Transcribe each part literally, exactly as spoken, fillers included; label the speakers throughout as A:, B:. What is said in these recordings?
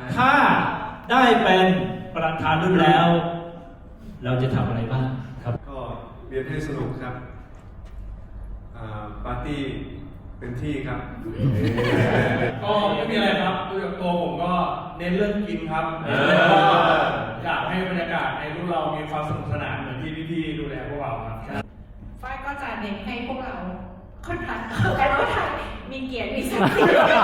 A: ถ้าได้เป็นประธานรุ่นแล้ว เราจะทำอะไรบ้างครับ
B: ก็เรียนให้สนุกครับปาร์ตี้เป็นที่ครับ
C: ก็ไม่มีอะไรครับโดยตัวผมก็เน้นเรื่องกินครับอยากให้บรรยากาศในรุ่นเรามีความสนุกสนานเหมือนที่พี่ๆดูแลพวกเราครับ
D: ฝ้ายก็จะเน้นให้พวกเราคนไทยแต่ว่าไทยมีเกียรติมีศักดิ์ศรี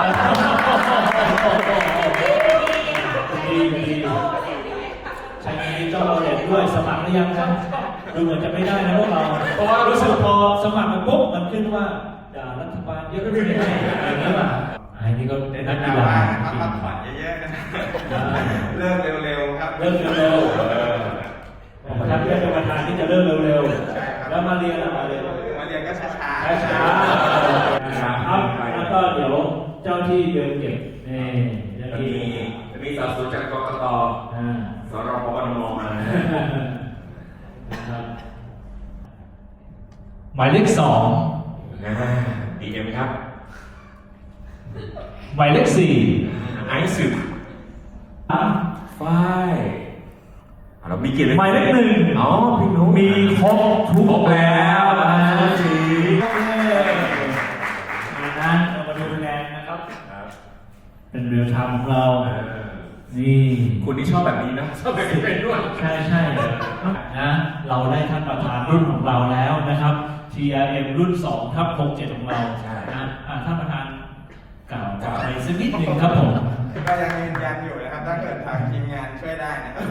A: ใช่มีเจ้าเราเด็กด้วยสมัครหรือยังครับดูเหมือนจะไม่ได้นะพวกเราเพราะว่ารู้สึกพอสมัครมาปุ๊บมันขึ้นว่าด่ารัฐบาลเยอะไม่ได้อย่างนี้ป่ะไอ้นี่ก็เป็นนักกีฬาพักผ่อนเยอะๆนะเริ่มเร็วๆครับเริ่มเร็วๆผมทำเรื่องเป็นประธานที่จะเริ่มเร็วๆแล้วมาเรียนมาเรียน
B: มาเรียนก็ช้าๆ
A: ช้าๆครับแล้วก็เดี๋ยวเจ้าที่เดินเก็บนี่จะมี
E: จะมีสาวสูจากกกตสรพบนมมา
A: หมายเลขสอง
E: ดีเอ็มครับ
A: หมายเลขสี่
E: ไอซ์สึกฝ้ายเรามีกี่เลย
A: หมายเลขหนึ่ง
E: อ๋อพี่นุ๊ก
A: มีครบทุกแล้วนะสีนั้นเรามาดูคะแนนนะครับเป็นเรียลไทม์ของเรานี่
E: คุณที่ชอบแบบนี้นะชอบแบบนี้เป็นด้วย
A: ใช่ใช่นะเราได้ท่านประธานรุ่นของเราแล้วนะครับ ที อาร์ เอ็ม รุ่นสองทับหกเจ็ดของเรานะท่านประธานกล่าวอะไรสักนิดหนึ่งครับผม
B: ก็ยังยืนยันอยู่นะครับถ้าเกิดทางทีมงานช่วยได้นะครับ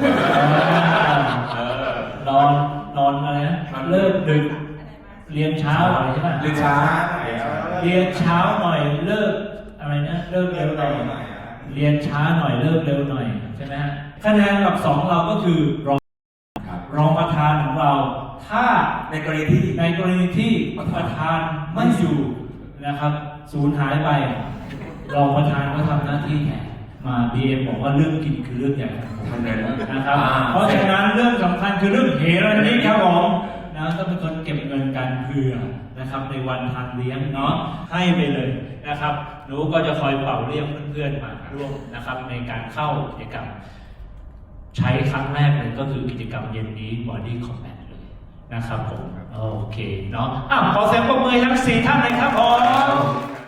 A: นอนนอนอะไรนะเลิกดึกเรียนเช้าอะไรใช่ไหม
E: เรียนเช้า
A: เรียนเช้าหน่อยเลิกอะไรนะเลิกเร็วหน่อยเรียนช้าหน่อยเลิกเร็วหน่อยใช่ไหมฮะคะแนนอันดับสองเราก็คือรองรองประธานของเราถ้า
E: ในกรณีที่
A: ในกรณีที่ประธานไม่อยู่นะครับสูญหายไปรองประธานก็ทำหน้าที่แทนมา บี เอ็ม บอกว่าเรื่องกินคือเรื่องใหญ่ของผมนะครับเพราะฉะนั้นเรื่องสำคัญคือเรื่องเฮรันนี่ครับผมนะต้องเป็นคนเก็บเงินกันเพื่อนะครับในวันทานเลี้ยงเนาะให้ไปเลยนะครับหนูก็จะคอยเป่าเรียกเพื่อนๆมาร่วมนะครับในการเข้ากิจกรรมใช้ครั้งแรกเลยก็คือกิจกรรมเย็นนี้ Body Combat เลยนะครับผมโอเคเนาะอ่ะขอเสียงปรบมือทั้งสี่ท่านเลยครับผม